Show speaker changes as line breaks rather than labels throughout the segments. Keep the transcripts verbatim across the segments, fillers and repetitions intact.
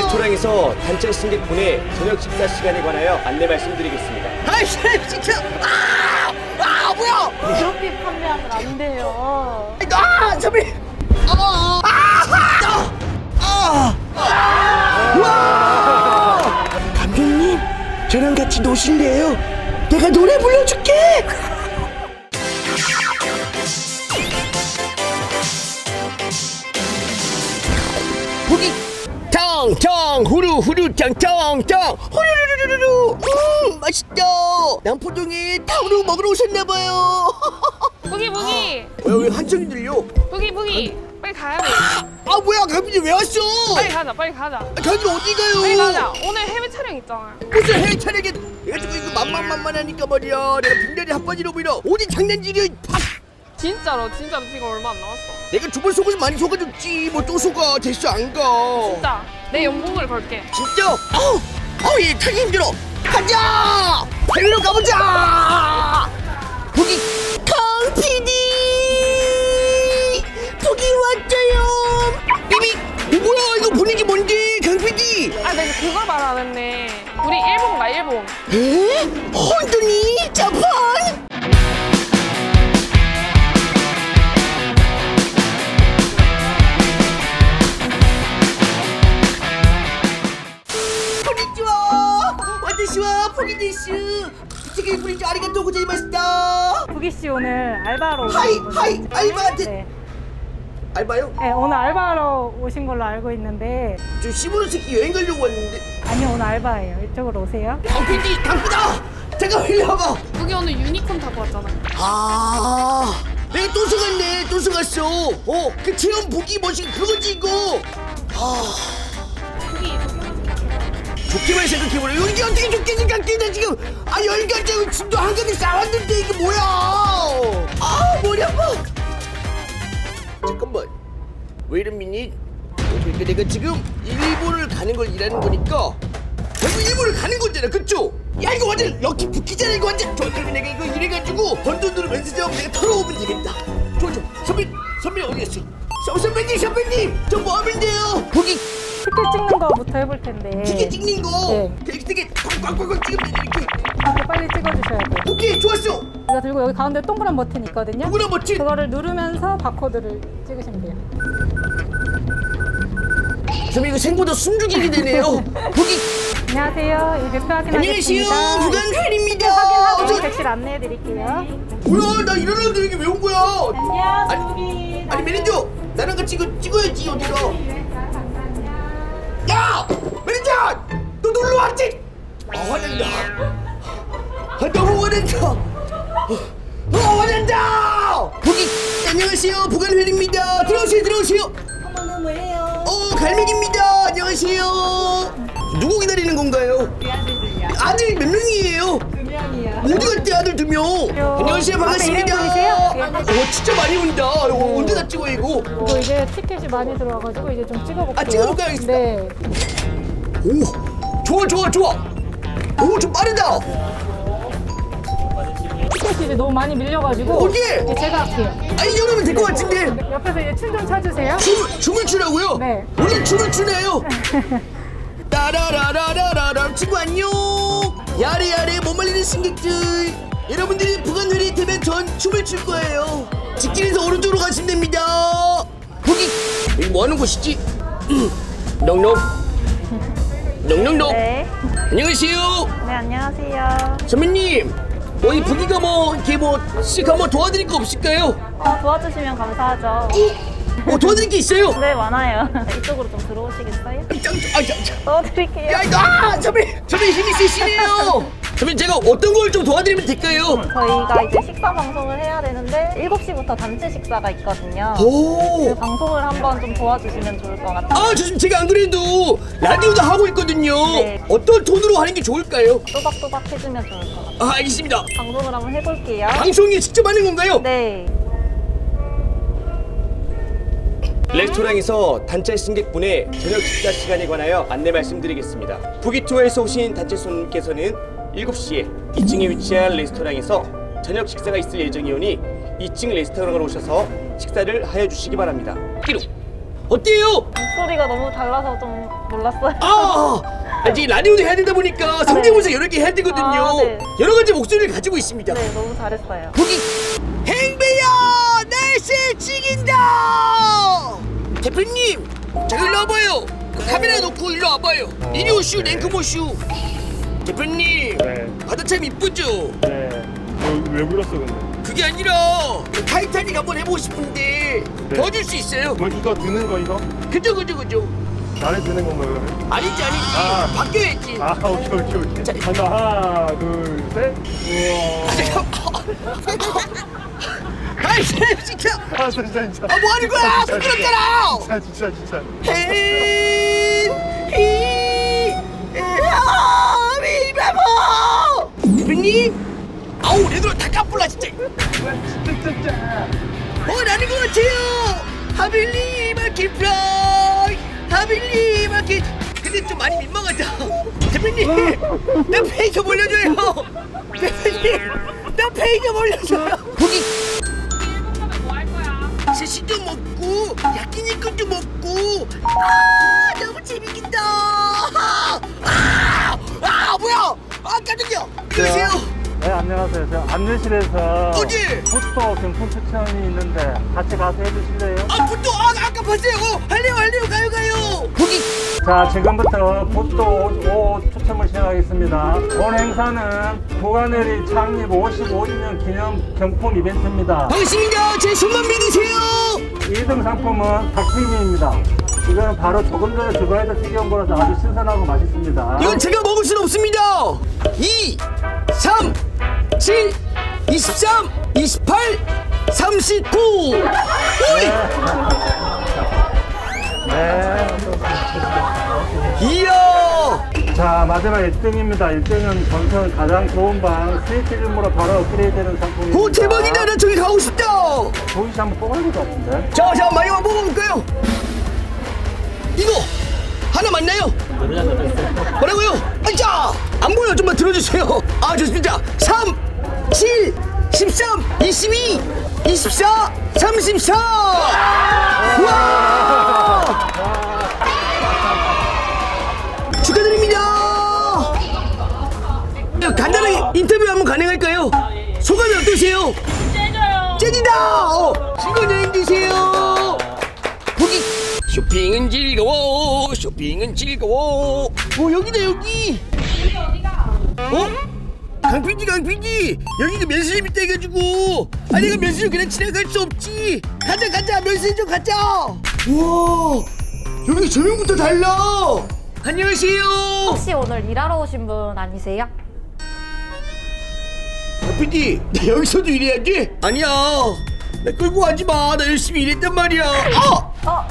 레스토랑에서 단체 승객분의 저녁 식사 시간에 관하여 안내 말씀드리겠습니다.
아이씨 진짜 아! 아 뭐야
그렇게 판매하면 안 돼요.
아 선배 아! 아! 아! 아! 와! 감독님 저랑 같이 노실래요? 내가 노래 불러줄게. 보기 텅텅 후루 후루 텅텅텅 후루루루루루 음 맛있다. 남포동에 탕후루 먹으러 오셨나봐요.
부기 부기
왜 한성이 들려?
부기 부기 빨리 가야 돼.
아 뭐야 감독님 왜 왔어?
빨리 가자 빨리 가자.
감독님 어디 가요?
빨리 가자. 오늘 해외 촬영 있잖아.
무슨 해외 촬영에 내가 지금 이거 만만만만하니까 말이야. 내가 분별이 핫바지로 보이라 어디 장난질이야 팍.
진짜로 진짜로 지금 얼마 안 남았어.
내가 두 번 속아서 많이 속아줬지 뭐 또 속아. 됐어 안가
진짜 내 연봉을 걸게.
진짜? 어우 어우 얘 타기 힘들어. 가자 해외로 가보자. 거기 강 피디 거기 왔어요. 삐빅 뭐야 이거 분위기 뭔데 강 피디.
아 내가 그걸 말 안 했네. 우리 일본 가 일본.
에? 혼돈이 자판? 포기지와 와타시와 포기데스 되게 부리지 아리가또 고자이마시다.
부기 씨 오늘 알바로 오신
하이
거죠?
하이 알바한테
네.
알바요?
네, 오늘 알바로 오신 걸로 알고 있는데
저 시부르 새끼 여행 가려고 왔는데.
아니요 오늘 알바예요. 이쪽으로 오세요.
강피디 강피다 잠깐 일로 와봐.
부기 오늘 유니콘 타고 왔잖아.
아 내가 또 속았네 또 속았어. 어그 체험 보기 뭐지 그거지 이거. 아
부기
좋게만 생각해보라. 여기 어떻게 좋게 생각해. 나 지금 아 열가지고 짐도 한가득 싸왔는데 이게 뭐야. 아 머리 아파. 잠깐만 Wait a minute. 그러니까 내가 지금 일본을 가는 걸 일하는 거니까 결국 일본을 가는 거잖아 그쵸? 야 이거 완전 럭키 부키잖아 이거 완전. 좋아 그러면 내가 이거 이래가지고 번 돈 들으면서 좀 내가 털어오면 되겠다. 좋아 좋아 선배 선배 어디 갔어? 서, 선배님 선배님 저 뭐 하면 돼요? 거기
티켓 찍는 거부터 해볼 텐데
티켓 찍는 거.
네.
되게 되게 꽉꽉꽉 찍으면 이렇게.
이렇게 빨리 찍어주셔야 돼요.
오케이 좋았어.
이거 들고 여기 가운데 동그란 버튼 있거든요.
누구나 멋지.
그거를 누르면서 바코드를 찍으시면 돼요.
선배 이거 생보다 숨죽이게 되네요. 거기
안녕하세요. 이 대표
안녕하세요
확인하겠습니다.
부간회입니다.
확인하고 객실 안내해드릴게요.
뭐야 나 일어나는데 이게 왜 온 거야?
안녕
아니,
부기.
아니 매니저 나랑 같이 이거 찍어야지 어디서. 야 매니저 너 놀러 왔지? 아 화낸다. 아 너무 화낸다. 아 화낸다. 거기 안녕하세요 부간회입니다. 들어오세요 들어오세요.
어머나 뭐예요?
어 갈매기입니다. 안녕하세요. 누구 기다리는 건가요? 아들 몇 명이에요?
두 명이요.
어디 갔대 아들 두 명? 안녕하세요 반갑습니다.
앞에 이름 보이세요?
어 진짜 많이 온다. 이거 언제 다 찍어 이거?
이거 이제 티켓이 많이 들어와가지고 이제 좀 찍어볼게요.
아, 찍어볼까요? 알겠습니다.
네.
오 좋아 좋아 좋아. 오 좀 빠르다.
티켓이 이제 너무 많이 밀려가지고
어디?
이제 제가 할게요.
아 이 정도면 될 것 같은데.
옆에서 이제 춤 좀 춰주세요.
춤 춤을 추라고요?
네.
원래 춤을 추네요. 따라라라라라라 친구 안녕. 야래야래 못 말리는 승객들 여러분들이 부간회리 되면 전 춤을 출 거예요. 직진해서 오른쪽으로 가시면 됩니다. 거기 여기 뭐 하는 곳이지? 넉넉 넉넉넉.
네.
안녕하세요
네 안녕하세요.
선배님. 어이 부기가 뭐 이렇게 뭐씩 한번 도와드릴 거 없을까요?
어, 도와주시면 감사하죠.
어 도와드릴 게 있어요?
네, 많아요. 이쪽으로 좀 들어오시겠어요?
짱짱
도와드릴게요.
야 이거 아 선배 선배 힘이 세시네요. 선배 제가 어떤 걸 좀 도와드리면 될까요?
저희가 이제 식사 방송을 해야 되는데 일곱 시부터 단체 식사가 있거든요.
오.
그 방송을 한번 좀 도와주시면 좋을 것 같아요.
아, 저 지금 제가 안 그래도 라디오도 하고 있거든요.
네.
어떤 톤으로 하는 게 좋을까요?
또박또박 해주면 좋을 것 같아요.
아, 알겠습니다.
방송을 한번 해볼게요.
방송에 직접 하는 건가요?
네.
레스토랑에서 단체 승객분의 저녁 식사 시간에 관하여 안내 말씀드리겠습니다. 부기투어에서 오신 단체 손님께서는 일곱 시에 이 층에 위치한 레스토랑에서 저녁 식사가 있을 예정이오니 이 층 레스토랑으로 오셔서 식사를 하여 주시기 바랍니다. 끼룩!
어때요?
목소리가 너무 달라서 좀 놀랐어요.
아, 아, 이제 라디오도 해야 되다 보니까 성대모사 여러 개 해야 되거든요.
아, 네.
여러 가지 목소리를 가지고 있습니다.
네, 너무 잘했어요.
거기 행배야 날씨 찍인다. 대표님, 자 일로 와봐요. 그 카메라 놓고 일로 와봐요. 이리 오슈 랭크모슈. 대표님,
네.
바다 참 이쁘죠?
네. 왜, 왜 불렀어 근데?
그게 아니라 그 타이타닉 한번 해보고 싶은데
네.
도와줄 수 있어요?
뭐 이거 드는 거 이거?
그죠 그죠 그죠.
나를 드는 건가요? 그러면?
아니지 아니지.
아.
바뀌어야지.
아 오케이 오케이 오케이.
자,
간다 하나 둘 셋. 우와.
아이 쌤 시켜.
아 진짜 진짜.
아 뭐 하는 거야? 부끄럽잖아.
진짜 진짜 진짜.
대표님, 아우 얘들아 다 까불라 진짜. 뭐 나는 것 같아요. 하빌리 마켓 프라이, 하빌리 마켓. 근데 좀 많이 민망하다. 대표님, 나 페이 좀 올려줘요. 대표님, 나 페이 좀 올려줘요. 거기
뭐 할 거야?
스시도 먹고 야끼니쿠도 먹고. 아 너무 재밌겠다. 아, 아 뭐야? 아 깜짝이야. 그러세요.
네, 안녕하세요. 저 안내실에서
어디?
포토 경품 추천이 있는데 같이 가서 해주실래요?
아 부터 아 아까 봤어요. 어, 할래요 할래요 가요 가요. 거기
자, 지금부터 포토 옷 추첨을 시작하겠습니다. 오늘 행사는 부가내리 창립 오십오 주년 기념 경품 이벤트입니다.
반갑습니다. 제 손만 믿으세요.
이 등 상품은 닭튀김입니다. 이거는 바로 조금 전에 주바에서 튀겨온 거라서 아주 신선하고 맛있습니다.
이건 제가 먹을 수는 없습니다. 이, 삼, 칠, 이십삼, 이십팔, 삼십구. 오이.
네.
이야.
자, 마지막 일 등입니다. 일 등은 전선 가장 좋은 방 스위트룸으로 바로 업그레이드되는 상품입니다.
오 대박이다. 나 저기 가고 싶다.
조이 씨 한번 뽑아야 될 것 같은데.
자, 자 마지막 먹어볼까요? 이거 하나 맞나요? 뭐라고요? 아자 안 보여. 좀만 들어주세요. 아 좋습니다. 삼, 칠, 십삼, 이십이, 이십사, 삼십사. 와! 축하드립니다. 간단하게 인터뷰 한번 가능할까요? 소감이 어떠세요? 째져요. 째지다. 어, 즐거운 여행 되세요. 거기 쇼핑은 즐거워. 쇼핑은 즐거워. 어 여기다 여기. 어? 강피디 강피디 여기가 면세점 있다 해가지고 아 내가 면세점 그냥 지나갈 수 없지. 가자 가자 면세점 가자. 우와 여기 조명부터 달라. 안녕하세요.
혹시 오늘 일하러 오신 분 아니세요?
강피디 나 여기서도 일해야지? 아니야 나 끌고 가지마. 나 열심히 일했단 말이야. 아!
어?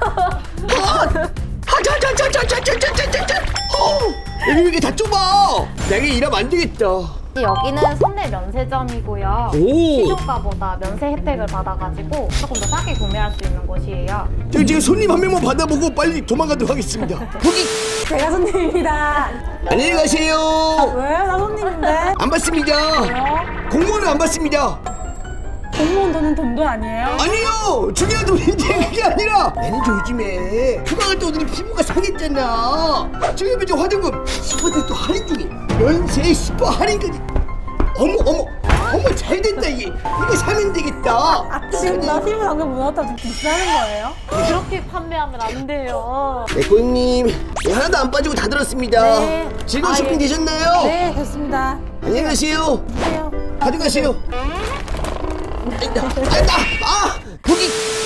하자자자자자자자자자자. 어, 여기 이게 다 좁아. 내가 일하면 안 되겠다.
여기는 선내 면세점이고요.
오.
시중가보다 면세 혜택을 받아가지고 조금 더 싸게 구매할 수 있는 곳이에요.
저 지금 손님 한 명만 받아보고 빨리 도망가도록 하겠습니다. 거기
제가 손님입니다.
안녕히 가세요.
왜요? 나 손님인데.
안 받습니다. 공무원은 안 받습니다.
공무원 돈은 돈도 아니에요?
아니요. 중요한 돈인데 그게 아니라 매니저 요즘에 휴가 갔다 오더니 피부가 상했잖아. 저기 먼저 화장품 십 퍼센트 할인 중에 면세 십 퍼센트 할인까지. 어머 어머 어머 잘 됐다 이게. 이거 사면 되겠다.
아, 지금 나 피부 당근 문화타 좀 비싸는 거예요?
그렇게 판매하면 안 돼요.
네 고객님 네, 하나도 안 빠지고 다 들었습니다.
네.
즐거운
아,
쇼핑
예.
되셨나요?
네, 됐습니다.
안녕히 가세요.
안녕하세요.
가져가세요. 아이다, 아이다, 아, 거기.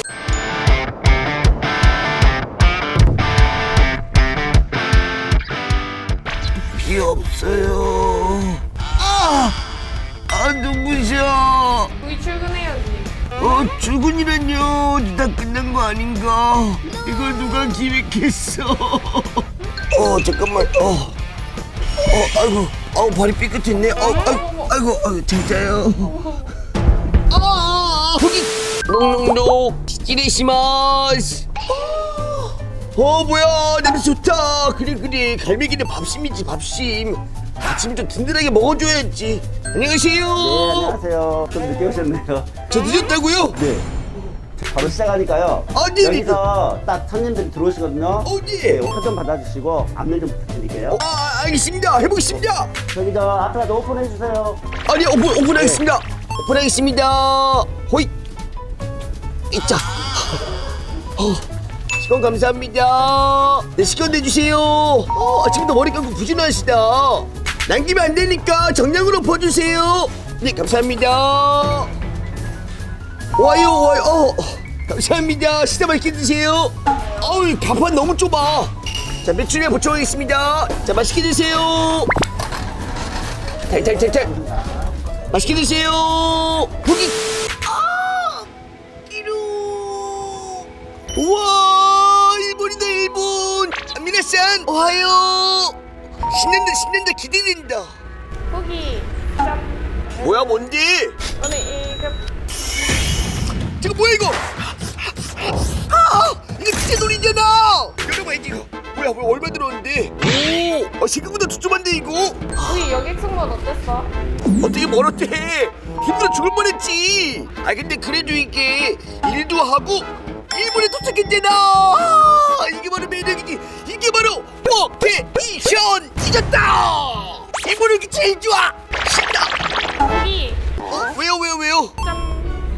비 없어요. 아, 아 눈부셔.
우리 출근해야지.
어, 출근이란요. 다 끝난 거 아닌가? 이걸 누가 기획했어? 어, 잠깐만. 어, 어, 아이고, 아우 발이 삐끗했네. 어, 아이고, 아이고, 아이고, 진짜요. 아, 거기 농농농 시리시마스. 어 뭐야 냄새 좋다. 그래 그래 갈매기는 밥심이지 밥심. 아침 좀 든든하게 먹어줘야지. 안녕하세요.
네, 안녕하세요. 좀 늦게 오셨네요.
저 늦었다고요?
네. 바로 시작하니까요.
어, 네, 네.
여기서 딱 손님들이 들어오시거든요.
어, 네.
네, 표 좀 받아주시고 안내 좀 부탁드릴게요.
아, 알겠습니다. 해보겠습니다.
저기 저 앞에다 오픈해 주세요.
아니, 오픈, 오픈하겠습니다. 오픈하겠습니다. 호이. 이자. 어, 시간 감사합니다. 네, 시간 내주세요. 어, 아침부터 머리 감고 부지런하시다. 남기면 안 되니까 정량으로 퍼주세요. 네, 감사합니다. 와요, 와요. 어, 감사합니다. 식사 맛있게 드세요. 어우, 가판 너무 좁아. 자, 매출량 보충하겠습니다. 자, 맛있게 드세요. 탈탈탈탈. 맛있게 드세요. 고기. 아, 끼루. 우와, 일본이다 일본. 미나산 오하요. 신난다 신난다 기대된다.
고기 짠.
뭐야 뭔데?
오늘 일급
저거 뭐야 이거? 아, 이거 진짜 놀이잖아. 여러분 이거 뭐야 뭐야 얼마 들었는데? 오, 아, 생각보다 두툼한데 이거?
고기 여객 승무원 어땠어?
어떻게 멀었대? 힘들어 죽을 뻔했지. 아 근데 그래도 이게 일도 하고 일본에 도착했잖아. 아, 이게 바로 매력이지. 이게 바로 워케이션 잊었다. 일본 여기 제일 좋아. 신나.
고기
어? 왜요 왜요 왜요?
짠.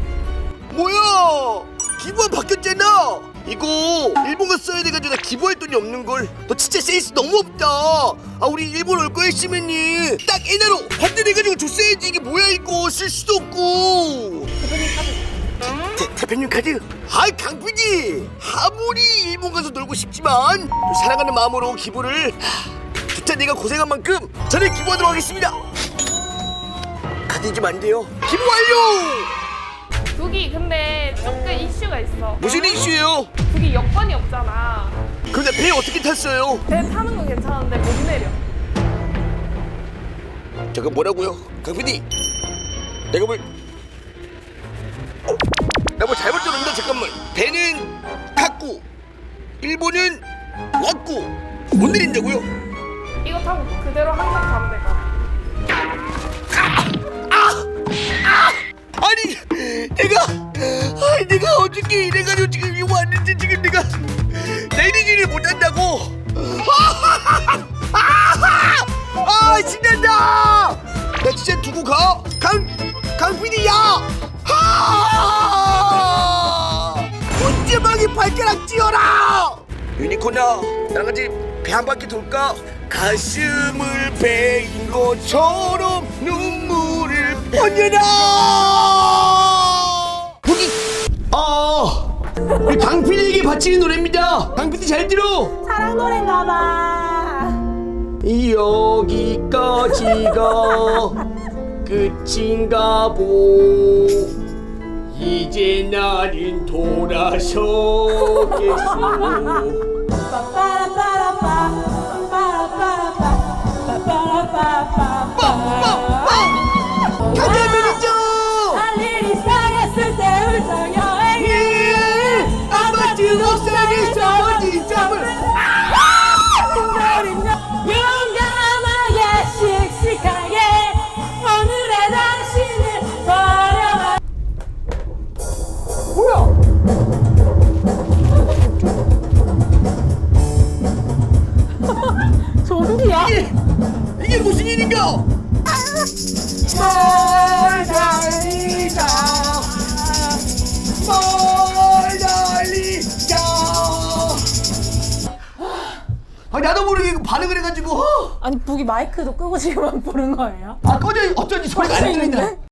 뭐야? 기부안 바뀌었잖아. 이거 일본 가 써야 돼가지고 나 기부할 돈이 없는 걸. 너 진짜 센스 너무 없다. 아 우리 일본 올 거 했으면은 딱 엔화로 환전해가지고 줬어야지. 이게 뭐야 이거 쓸 수도 없고.
대표님 카드.
대, 대표님 카드. 아이 강피디 아무리 일본 가서 놀고 싶지만 또 사랑하는 마음으로 기부를 하, 좋다. 내가 고생한 만큼 저는 기부하도록 하겠습니다. 카드 잊으면 안 돼요. 기부 완료.
고기 근데 조금 이슈가 있어.
무슨 이슈예요?
고기 여권이 없잖아.
근데 배 어떻게 탔어요?
배 타는 건 괜찮은데 못 내려.
잠깐 뭐라고요? 강피디 내가 뭘 어? 나 뭐 잘못 들었는데 잠깐만. 배는 탔고 일본은 왔고 못 내린다고요?
이거 타고 그대로 한강 가면 될 것 같아.
아니 내가 아니 내가 어떻게 이래가지고 지금 이거 왔는데 지금 내가 내리지를 못한다고. 아 신난다. 나 진짜 두고 가. 강 강피디야. 문제방이 발가락 찧어라. 유니콘아 나랑 같이 배 한 바퀴 돌까? 가슴을 베인 것처럼 눈물을 번여라. 거기 아 우리 강피디에게 바치는 노래입니다. 강피디 잘 들어.
사랑 노래인가 봐.
여기까지가 끝인가 보. 이제 나는 돌아서겠소.
빠빠라빠라빠, 빠빠라빠라빠, 빠빠라빠라빠.
가자 매니저.
할 일이 상했을 때 울적 여행을
예, 아파트 옥상에서 어디 잠을.
용감하게 씩씩하게 오늘의 당신을 버려봐. 뭐야? 좀비야?
이게, 이게 무슨 일인가? 뭘 달리자 뭘 달리자. 아 나도 모르게 이거 반응을 해가지고
아니 북이 마이크도 끄고 지금 부른 거예요?
아 꺼져 어쩐지 소리가 안 들린다.